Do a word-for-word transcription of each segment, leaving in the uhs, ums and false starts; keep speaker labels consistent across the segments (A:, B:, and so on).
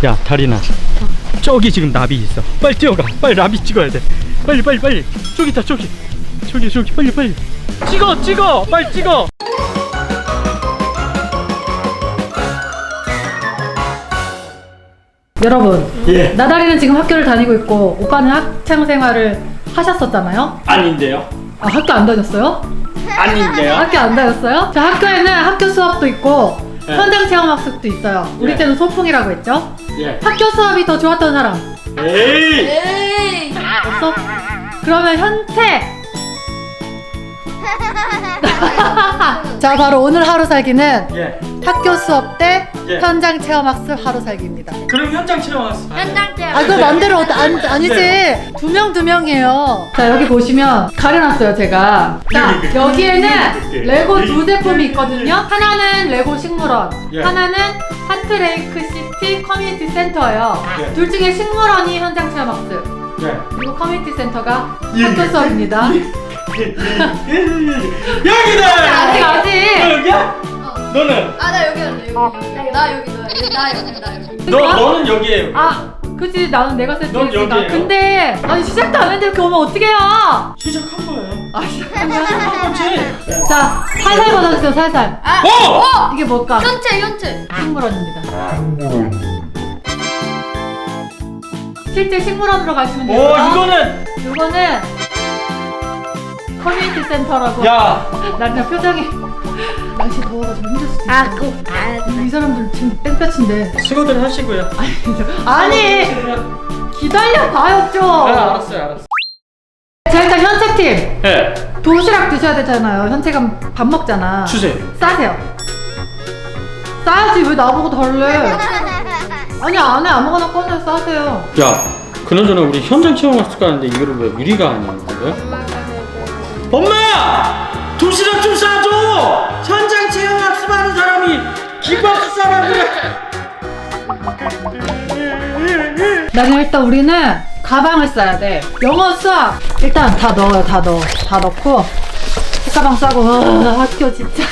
A: 야 다리나, 저기 지금 나비 있어. 빨리 뛰어가. 빨리 나비 찍어야 돼. 빨리 빨리 빨리. 저기 있다 저기. 저기 저기 빨리 빨리. 찍어 찍어. 빨리 찍어.
B: 여러분,
A: 예.
B: 나다리는 지금 학교를 다니고 있고 오빠는 학창 생활을 하셨었잖아요.
A: 아닌데요?
B: 아, 학교 안 다녔어요?
A: 아닌데요?
B: 학교 안 다녔어요? 자, 학교에는 학교 수업도 있고
A: 네.
B: 현장 체험 학습도 있어요. 우리
A: 예.
B: 때는 소풍이라고 했죠?
A: 예.
B: 학교 수업이 더 좋았던 사람
A: 에이.
C: 에이.
B: 없어? 그러면 현태. 자, 바로 오늘 하루 살기는
A: 예.
B: 학교 수업 때
A: 예.
B: 현장 체험 학습 하루 살기입니다.
A: 그럼 현장 체험 왔어.
C: 현장 체험.
B: 아, 그거 맘대로 어- 안, 아니지.
A: 네.
B: 두 명 두 명이에요. 자, 여기 보시면 가려놨어요, 제가. 자, 여기에는 레고 두 제품이 있거든요. 하나는 레고 식물원,
A: 예.
B: 하나는 하트레이크 시티 커뮤니티 센터예요.
A: 예.
B: 둘 중에 식물원이 현장 체험 학습,
A: 예.
B: 그리고 커뮤니티 센터가
A: 예.
B: 학교 수업입니다.
A: 여기다.
B: 아직 아직.
A: 여기야?
C: 어.
A: 너는?
C: 아, 나 여기 할래. 여기. 나 여기 나 여기 나 여기 나 여기.
A: 너 너는 여기에.
B: 아, 그치, 나는 내가
A: 넌
B: 세팅했으니까.
A: 여기예요.
B: 근데 아니 시작도 안 했는데 이렇게 오면 어떡해요?
A: 시작한 거예요.
B: 아, 시작하면.
A: 그렇지.
B: 자, 살살 받아주세요, 살살.
C: 아.
A: 어!
C: 어!
B: 이게 뭘까?
C: 현채 현채.
B: 식물원입니다. 실제 식물원으로 가시면
A: 오
B: 돼요.
A: 이거는.
B: 이거는 커뮤니티 센터라고.
A: 야.
B: 나 그냥 표정이 날씨 더워가지고 힘들 수도 있어.
C: 아, 그.
B: 이 사람들 지금 땡볕인데.
A: 수고들 하시고요.
B: 아니, 기다려 봐요 좀.
A: 아, 알았어요 알았어.
B: 자, 일단 현채팀
A: 예.
B: 도시락 드셔야 되잖아요. 현채가 밥 먹잖아.
A: 주세요.
B: 싸세요. 싸야지, 왜 나보고 달래? 아니, 안에 아무거나 꺼내 싸세요.
A: 야, 그나저나 우리 현장 체험 학습 가는데 이거를 왜 우리가 하는 거야? 엄마! 도시락 좀 싸줘! 현장 체험 학습하는 사람이 김밥수 사람이야.
B: 나는 일단 우리는 가방을 싸야 돼. 영어 수학 일단 다 넣어요. 다 넣어. 다 넣고 책가방 싸고. 어, 학교 진짜.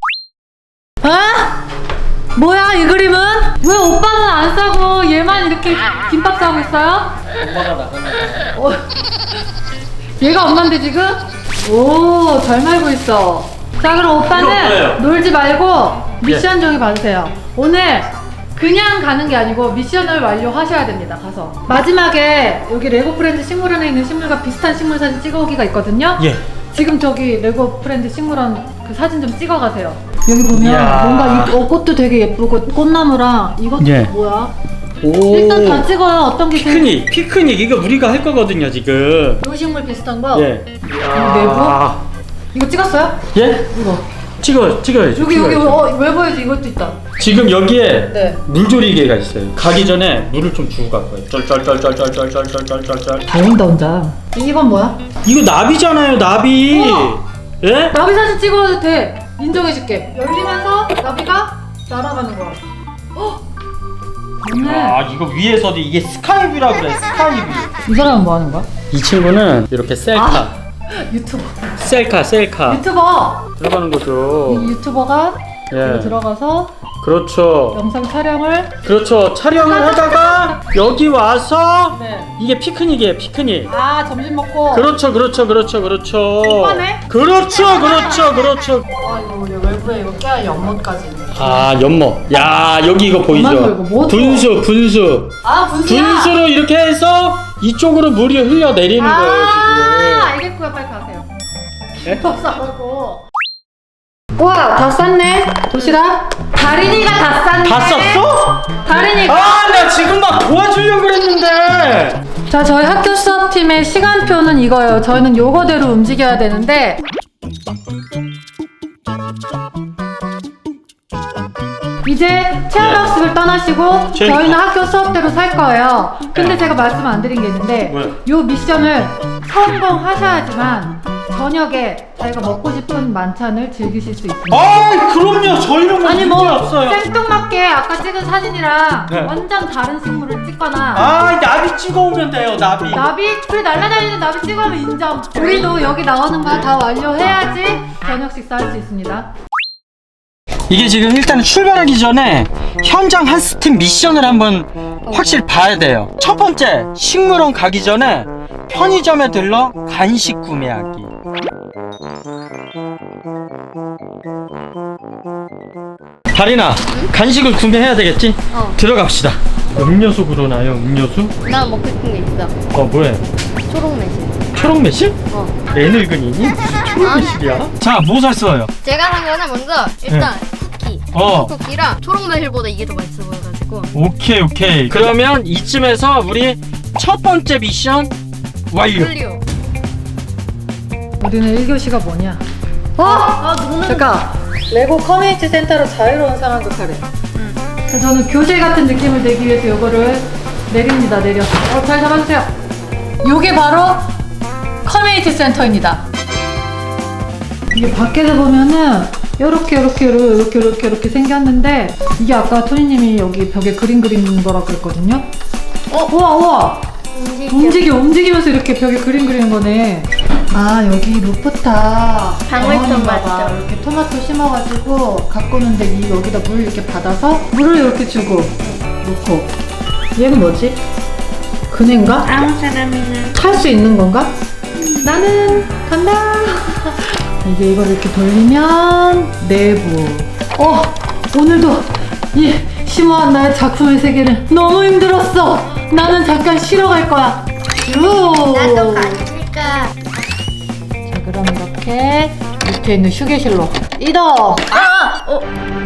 B: 아? 뭐야 이 그림은? 왜 오빠는 안 싸고 얘만 이렇게 김밥 싸고 있어요?
A: 엄마가 나가네.
B: 어, 얘가 엄마인데 지금? 오, 잘 말고 있어. 자, 그럼
A: 이거 뭐예요?
B: 오빠는 놀지 말고 미션 종이 받으세요. 오늘 그냥 가는 게 아니고 미션을 완료하셔야 됩니다. 가서 마지막에 여기 레고 프렌즈 식물원에 있는 식물과 비슷한 식물 사진 찍어오기가 있거든요.
A: 예.
B: 지금 저기 레고 프렌즈 식물원 그 사진 좀 찍어가세요. 여기 보면
A: 이야.
B: 뭔가 이, 어, 꽃도 되게 예쁘고 꽃나무랑 이것도
A: 예.
B: 뭐야?
A: 오.
B: 일단 다 찍어요. 어떤 게 제일
A: 피크닉, 피크닉 이거 우리가 할 거거든요 지금.
B: 요 식물 비슷한 거?
A: 예.
B: 내부? 이거 찍었어요?
A: 예?
B: 이거
A: 찍어, 찍어야죠.
B: 여기 여기
A: 찍어야죠.
B: 어, 외부에도 이것도 있다.
A: 지금 여기에
B: 네.
A: 물조리개가 있어요. 가기 전에 물을 좀 주고 갈 거예요. 쩔쩔쩔쩔쩔쩔쩔쩔쩔.
B: 배운다 혼자. 이건 뭐야?
A: 이거 나비잖아요, 나비.
B: 우와.
A: 예?
B: 나비 사진 찍어도 돼. 인정해줄게. 열리면서 나비가 날아가는 거야. 어? 맞네.
A: 아, 이거 위에서도 이게 스카이뷰라 그래, 스카이뷰.
B: 이 사람은 뭐 하는 거야?
A: 이 친구는 이렇게 셀카,
B: 아. 유튜버.
A: 셀카, 셀카
B: 유튜버.
A: 들어가는 거죠.
B: 이 유튜버가
A: 예.
B: 여기 들어가서
A: 그렇죠.
B: 영상 촬영을.
A: 그렇죠. 촬영을 하다가 여기 와서
B: 네.
A: 이게 피크닉이에요, 피크닉.
B: 아, 점심 먹고.
A: 그렇죠, 그렇죠, 그렇죠, 그렇죠.
B: 이거네?
A: 그렇죠, 그렇죠, 그렇죠.
B: 아, 이거 외부에 이거 깨알 연못까지 있네.
A: 아, 연못. 야, 여기 이거
B: 엄마, 이거
A: 보이죠?
B: 뭐
A: 분수, 분수.
B: 아, 분수야.
A: 분수로 이렇게 해서 이쪽으로 물이 흘러 내리는 거예요,
B: 아, 알겠고요. 빨리 가세요.
A: 네?
B: 밥 싸라고. 우와, 다 쌌네. 도시락. 다린이가 다 쌌네.
A: 지금. 다 썼어?
B: 다린이가.
A: 아, 나 지금 막 도와주려고 그랬는데.
B: 자, 저희 학교 수업팀의 시간표는 이거예요. 저희는 요거대로 움직여야 되는데. 이제 체험학습을 떠나시고
A: 체험-
B: 저희는 학교 수업대로 살 거예요. 근데 제가 말씀 안 드린 게 있는데
A: 뭐요?
B: 요 미션을 성공하셔야지만 저녁에 자기가 먹고 싶은 만찬을 즐기실 수 있습니다.
A: 아, 그럼요. 저희는 뭐
B: 아니
A: 문제
B: 뭐
A: 없어요.
B: 생뚱맞게 아까 찍은 사진이랑
A: 네.
B: 완전 다른 식물을 찍거나
A: 아, 나비 찍어오면 돼요, 나비.
B: 나비? 그래, 날아다니는 나비 찍으면 인정. 우리도 여기 나오는 거 다 완료해야지 저녁 식사할 수 있습니다.
A: 이게 지금 일단 출발하기 전에 현장 학습팀 미션을 한번 확실히 봐야 돼요. 첫 번째, 식물원 가기 전에 편의점에 들러 간식 구매하기. 다리나, 간식을 구매해야 되겠지?
C: 어.
A: 들어갑시다. 음료수 그러나요? 음료수?
C: 나 먹고 싶은 게 있어.
A: 어, 뭐해?
C: 초록 매실.
A: 초록 매실?
C: 어.
A: 애늙은이니? 무슨 초록
C: 아니.
A: 매실이야? 자, 뭐 샀어요?
C: 제가 산 거는 먼저 일단 쿠키.
A: 어.
C: 쿠키랑 초록 매실보다 이게 더 맛있어 보여가지고.
A: 오케이, 오케이. 그러면 이쯤에서 우리 첫 번째 미션 완료.
C: 클리오.
B: 우리는 일 교시가 뭐냐? 어?
C: 아 노는.
B: 잠깐. 레고 커뮤니티 센터로 자유로운 상황극 하래.
C: 응.
B: 그래서 저는 교재 같은 느낌을 내기 위해서 이거를 내립니다. 내려. 어, 잘 잡아주세요. 요게 바로 커뮤니티 센터입니다. 이게 밖에서 보면은 요렇게 요렇게 요렇게 요렇게 요렇게 생겼는데, 이게 아까 토니님이 여기 벽에 그림 그리는 거라 그랬거든요. 어, 우와 우와. 움직여 움직이면서 이렇게 벽에 그림 그리는 거네. 아, 여기 루프탑
C: 방울토마토.
B: 봐. 이렇게 토마토 심어가지고 가꾸는데 이 여기다 물 이렇게 받아서 물을 이렇게 주고 놓고. 얘는 뭐지? 그네인가?
C: 아무 사람이나.
B: 탈 수 있는 건가? 나는 간다. 이제 이걸 이렇게 돌리면 내부. 어, 오늘도 이 심오한 나의 작품의 세계를 너무 힘들었어. 나는 잠깐 쉬러 갈 거야. 슈.
C: 나도 가니까.
B: 자, 그럼 이렇게 밑에 있는 휴게실로 이동.
C: 아! 어.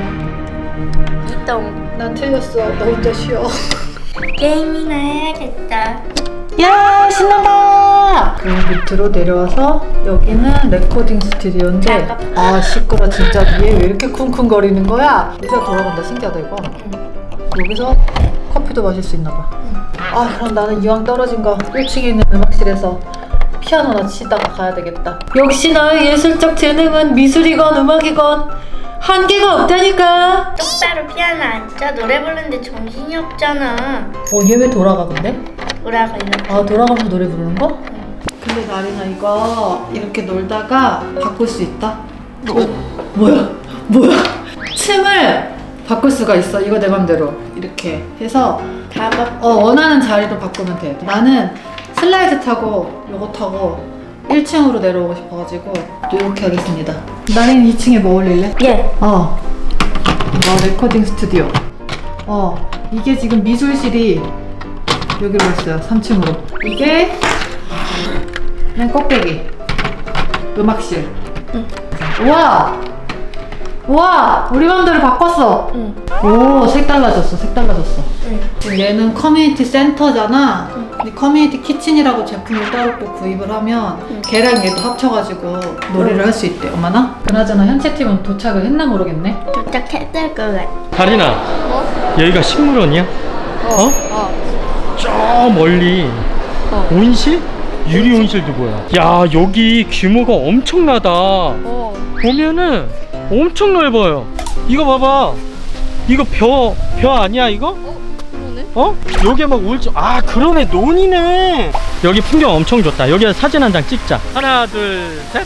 C: 이동.
B: 난 틀렸어. 나 혼자 쉬어.
C: 게임이나 해야겠다.
B: 야, 신난다. 그 밑으로 내려와서 여기는 레코딩 스튜디오인데, 아 시끄러. 진짜 위에 왜 이렇게 쿵쿵거리는 거야? 의자 돌아간다. 신기하다 이거. 여기서 커피도 마실 수 있나 봐. 아, 그럼 나는 이왕 떨어진 거 일 층에 있는 음악실에서 피아노나 치다가 가야 되겠다. 역시 나의 예술적 재능은 미술이건 음악이건 한계가 없다니까.
C: 똑바로 피아노 앉아. 노래 부르는데 정신이 없잖아.
B: 어, 얘 왜 돌아가 근데?
C: 뭐라고 이렇게.
B: 아, 돌아가면서 노래 부르는 거? 근데 나리나 이거 이렇게 놀다가 바꿀 수 있다? 어? 뭐야? 뭐야? 층을 바꿀 수가 있어. 이거 내 맘대로 이렇게 해서
C: 다 막.
B: 어, 원하는 자리로 바꾸면 돼. 나는 슬라이드 타고 요거 타고 일 층으로 내려오고 싶어가지고 이렇게 하겠습니다. 나린 이 층에 뭐 올릴래?
C: 예.
B: 어, 뭐 레코딩 스튜디오. 어, 이게 지금 미술실이 여기로 있어요. 삼 층으로. 이게 맨 꼭대기 음악실.
C: 응.
B: 우와, 우와, 우리 맘대로 바꿨어.
C: 응.
B: 오, 색 달라졌어. 색 달라졌어.
C: 응.
B: 지금 얘는 커뮤니티 센터잖아. 근데 커뮤니티 키친이라고 제품을 따로 또 구입을 하면
C: 응.
B: 걔랑 얘도 합쳐가지고 놀이를 할 수 있대. 엄마나? 그나저나 현채 팀은 도착을 했나 모르겠네.
C: 도착했을 것 같아.
A: 다리나,
C: 어?
A: 여기가 식물원이야? 어?
C: 어.
A: 저 멀리
C: 어.
A: 온실? 유리 온실도 보여. 야, 여기 규모가 엄청나다.
C: 어.
A: 보면은 엄청 넓어요. 이거 봐봐. 이거 벼, 벼 아니야 이거?
C: 어? 그러네.
A: 어? 여기에 막 울지. 아, 그러네. 논이네. 여기 풍경 엄청 좋다. 여기서 사진 한 장 찍자. 하나, 둘, 셋.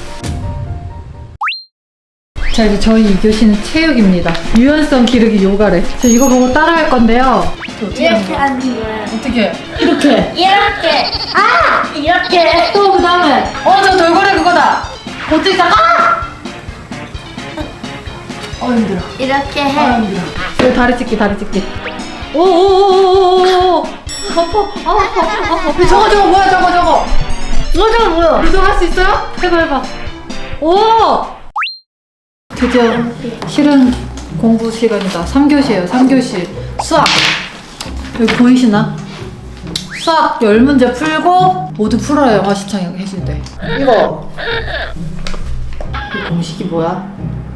B: 자, 이제 저희 이 교시는 체육입니다. 유연성 기르기 요가래. 저 이거 보고 따라할 건데요.
C: 이렇게 하는 거야.
B: 어떻게? 이렇게.
C: 이렇게. 아! 이렇게.
B: 또 그 다음에 어, 저 돌고래 그거다. 어떻게 다 아! 어, 힘들어.
C: 이렇게
B: 아,
C: 해.
B: 힘들어. 여기 다리 찢기, 다리 찢기. 오오오오오오오. 아파. 아, 아파. 아, 아파. 저거 저거 뭐야? 저거 저거.
C: 뭐 저거 뭐야?
B: 이거 할 수 있어요? 해봐 해봐. 오! 드디어 실은 공부 시간이다. 삼 교시예요. 삼 교시 수학. 여기 보이시나? 수학 열 문제 풀고 모두 풀어야 영화 시청해 해준대. 이거 이 공식이 뭐야?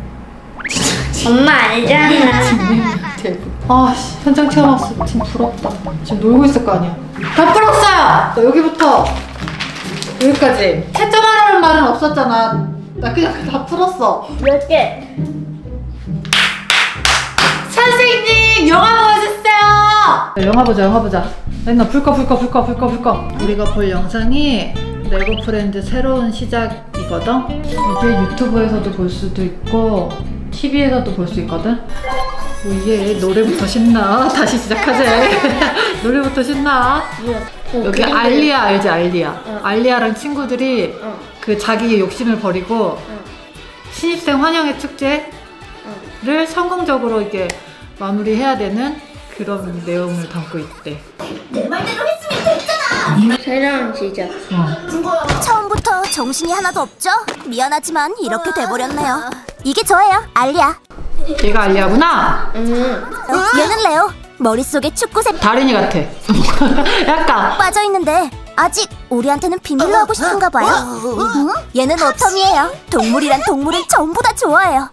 C: 엄마 알잖아.
B: 대부. 아, 씨, 현장 체험 학습 팀 부럽다. 지금 놀고 있을 거 아니야. 다 풀었어요. 자, 여기부터 여기까지. 채점하라는 말은 없었잖아. 나 그냥 다 풀었어.
C: 몇 개?
B: 선생님, 영화 보여주세요. 영화 보자, 영화 보자. 맨날 풀거 풀거 풀거 풀거 풀거. 우리가 볼 영상이 레고 프렌즈 새로운 시작이거든. 이게 유튜브에서도 볼 수도 있고 티비에서도 볼 수 있거든. 뭐 이게 노래부터 신나. 다시 시작하자. 노래부터 신나. 여기 알리아 알지? 알리아. 알리아랑 친구들이 그 자기의 욕심을 버리고 신입생 환영회 축제를 성공적으로 이게 마무리해야 되는 그런 내용을 담고 있대.
C: 새로운 시작.
D: 처음부터 정신이 하나도 없죠? 미안하지만 이렇게 돼버렸네요. 이게 저예요, 알리아.
B: 얘가 알리아구나.
D: 얘는 레오. 머릿속에 축구색
B: 다린이 같아. 약간.
D: 빠져있는데 아직 우리한테는 비밀로 하고 싶은가 봐요. 응? 얘는 오텀이에요. 동물이란 동물을 전부 다 좋아해요.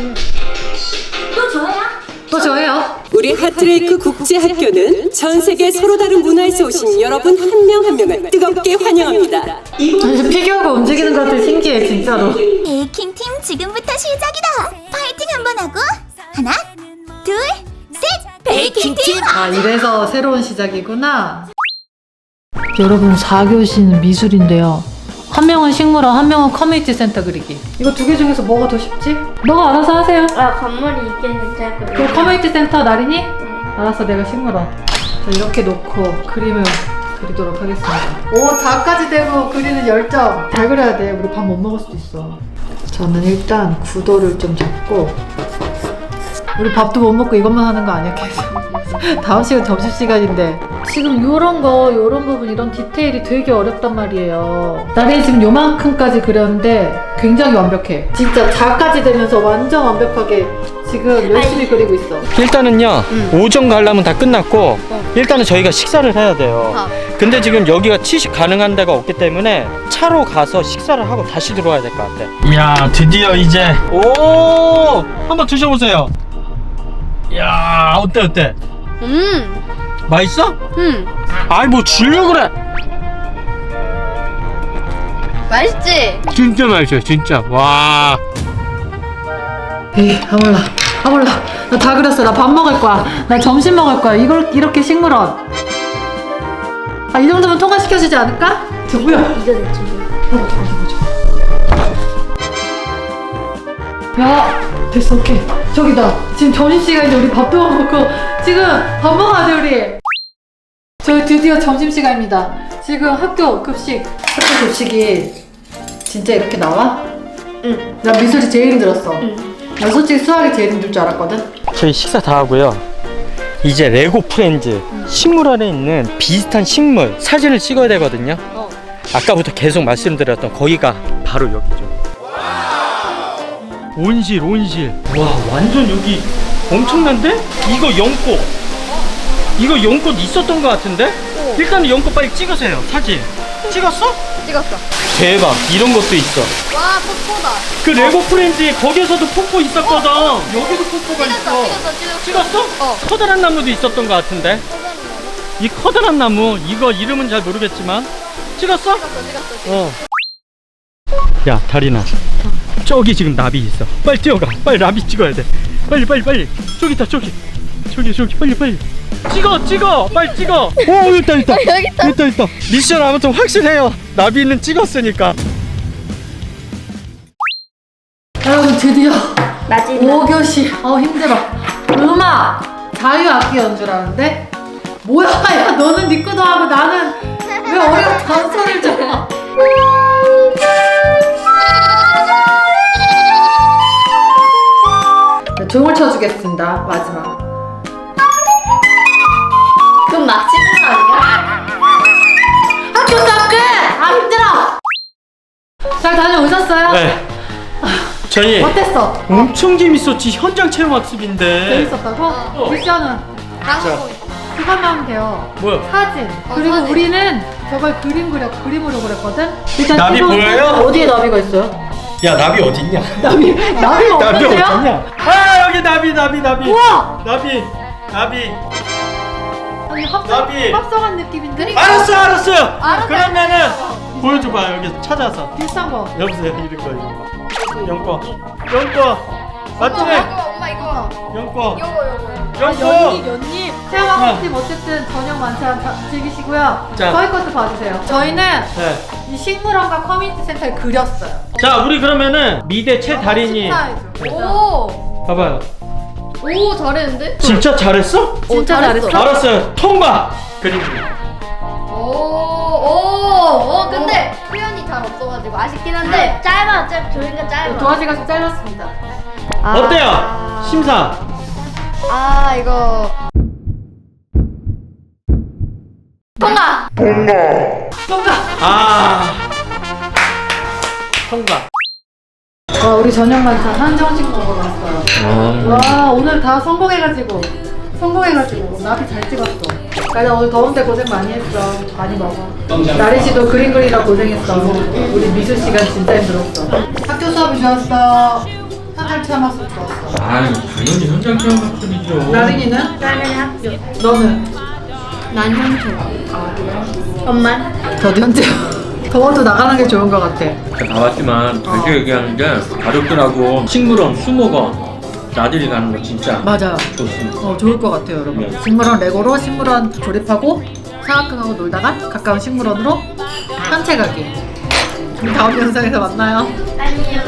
D: 또 저야?
B: 또 저예요.
E: 우리 하트레이크 국제학교는 전 세계 서로 다른 문화에서 오신 여러분 한 명 한 명을 뜨겁게 환영합니다.
B: 아니, 피규어가 움직이는 것 같아. 신기해 진짜로.
D: 베이킹 팀 지금부터 시작이다. 파이팅 한번 하고 하나, 둘, 셋. 베이킹 팀.
B: 아 이래서 새로운 시작이구나. 여러분 사 교시는 미술인데요. 한 명은 식물원, 한 명은 커뮤니티 센터 그리기. 이거 두 개 중에서 뭐가 더 쉽지? 너가 알아서 하세요.
C: 아 건물이 있긴 괜찮을
B: 그 커뮤니티 센터 나린이? 알았어, 내가 식물원. 자, 이렇게 놓고 그림을 그리도록 하겠습니다. 오, 다까지 되고 그리는 열정. 잘 그려야 돼. 우리 밥 못 먹을 수도 있어. 저는 일단 구도를 좀 잡고. 우리 밥도 못 먹고 이것만 하는 거 아니야, 계속. 다음 시간 점심시간인데. 지금 요런 거, 요런 부분, 이런 디테일이 되게 어렵단 말이에요. 나린이 지금 요만큼까지 그렸는데 굉장히 완벽해. 진짜 자까지 되면서 완전 완벽하게 지금 열심히 그리고 있어.
A: 일단은요 오전 관람은 다 끝났고 일단은 저희가 식사를 해야 돼요.
C: 어.
A: 근데 지금 여기가 취식 가능한 데가 없기 때문에 차로 가서 식사를 하고 다시 들어와야 될 것 같아. 이야 드디어 이제 오 한번 드셔보세요. 이야 어때 어때?
C: 음.
A: 맛있어?
C: 음.
A: 아이 뭐 주려고 그래.
C: 맛있지?
A: 진짜 맛있어요 진짜. 와
B: 에이, 아 몰라. 아 몰라. 나 다 그렸어. 나 밥 먹을 거야. 나 점심 먹을 거야. 이걸 이렇게 식물원. 아, 이 정도면 통과시켜주지 않을까? 저 뭐야?
C: 이거 대충.
B: 야, 됐어. 오케이. 저기다. 지금 점심시간인데 우리 밥도 못 먹고 지금 밥 먹어야 돼 우리. 저희 드디어 점심시간입니다. 지금 학교 급식. 학교 급식이 진짜 이렇게 나와?
C: 응.
B: 나 미술이 제일 힘들었어.
C: 응.
B: 나 솔직히 수학이 제일 힘들 줄 알았거든.
A: 저희 식사 다 하고요. 이제 레고 프렌즈 식물원에 있는 비슷한 식물 사진을 찍어야 되거든요.
C: 어.
A: 아까부터 계속 말씀드렸던 거기가 바로 여기죠. 온실 온실. 와 완전 여기 엄청난데? 이거 연꽃. 이거 연꽃 있었던 것 같은데? 일단은 연꽃 빨리 찍으세요. 사진 찍었어?
C: 찍었어.
A: 대박. 이런 것도 있어.
C: 와 폭포다.
A: 그 레고 프렌즈에 거기에서도 폭포 있었거든. 여기도 폭포가
C: 찍었어
A: 있어.
C: 찍었어 찍었어.
A: 찍었어?
C: 어.
A: 커다란 나무도 있었던 것 같은데. 이 커다란 나무 이거 이름은 잘 모르겠지만 찍었어?
C: 찍었어 찍었어.
A: 어. 야 다리나 저기 지금 나비 있어. 빨리 뛰어가. 빨리 나비 찍어야 돼. 빨리 빨리 빨리. 저기 있다 저기. 저기 저기 빨리 빨리. 찍어 찍어 빨리 찍어. 오 있다 있다.
C: 여기 있다.
A: 있다 있다. 미션 아무튼 확실해요. 나비는 찍었으니까.
B: 여러분 드디어
C: 마지막.
B: 오 교시. 어 힘들어. 음악 자유악기 연주라는데 뭐야? 야 너는 네 거도 하고 나는 왜 어려운 단소리를 줘? 네, 종을 쳐주겠습니다. 마지막.
C: 그럼 마치는 거 아니야?
B: 학교 수업 끝! 아 힘들어! 잘 다녀오셨어요?
A: 네. 저희
B: 어땠어?
A: 엄청 재밌었지. 현장 체험 학습인데.
B: 재밌었다고?
A: 어.
B: 미션은
C: 방송 있어.
B: 그것만 하면 돼요.
A: 뭐야?
B: 사진.
C: 어,
B: 그리고
C: 사진.
B: 우리는 저걸 그림 그려 그림으로 그렸거든. 일단
A: 나비
B: 기본-
A: 보여요?
B: 어디에 나비가 있어요?
A: 야 나비 어딨냐?
B: 나비 나비가
A: 나비
B: 없는데요?
A: 어딨냐? 아 여기 나비 나비 나비.
B: 우와!
A: 나비 나비.
B: 아니 합성
A: 나비.
B: 합성한 느낌인데?
A: 알았어 알았어요.
C: 알았어요.
A: 그러면은 보여줘봐 여기 찾아서.
B: 비슷한 거.
A: 여보세요 이런 거 이런 거. 연꽃 연꽃 맞지?
C: 엄마 이거 엄마 이거.
A: 연꽃
C: 요거 요거.
B: 연잎
A: 연꽃.
B: 연잎. 체험학습팀 어쨌든 저녁 만찬 다 즐기시고요.
A: 자.
B: 저희 것도 봐주세요. 저희는
A: 네.
B: 이 식물원과 커뮤니티 센터에 그렸어요.
A: 자 우리 그러면은 미대 최다린이
B: 식사해줘.
C: 오.
A: 봐봐요.
C: 오 잘했는데?
A: 진짜 잘했어?
B: 진짜
C: 잘했어.
B: 잘했어.
A: 알았어요. 통과. 그림.
C: 오오오 근데 표현이 잘 없어가지고 아쉽긴 한데 짧아 짧 조인가 짧아.
B: 도화지가 좀 짧았습니다.
C: 아,
A: 어때요? 심사.
C: 아 이거 통과.
B: 통과!
A: 아. 통과.
B: 와, 우리 저녁 만찬 한정식 먹으러 왔어요. 와, 오늘 다 성공해가지고. 성공해가지고. 나비 잘 찍었어. 나 오늘 더운데 고생 많이 했어. 많이 먹어. 나리 씨도 그림 그리다 고생했어. 우리 미수 씨가 진짜 힘들었어. 학교 수업이 좋았어. 현장 체험학습 좋았어.
A: 아유, 당연히 현장 체험 학습이죠.
B: 나린이는?
C: 나는 학교.
B: 너는?
C: 난 현재. 엄마.
B: 저도 현재. 더워도 나가는 게 좋은 것 같아.
A: 다 왔지만 다시 얘기하는 게 가족들하고 식물원, 수목원 나들이 가는 거 진짜
B: 맞아요.
A: 좋습니다.
B: 어, 좋을 것 같아요, 여러분.
A: 네.
B: 식물원 레고로 식물원 조립하고 사각형하고 놀다가 가까운 식물원으로 산책하기. 우리 다음 영상에서 만나요.
C: 안녕.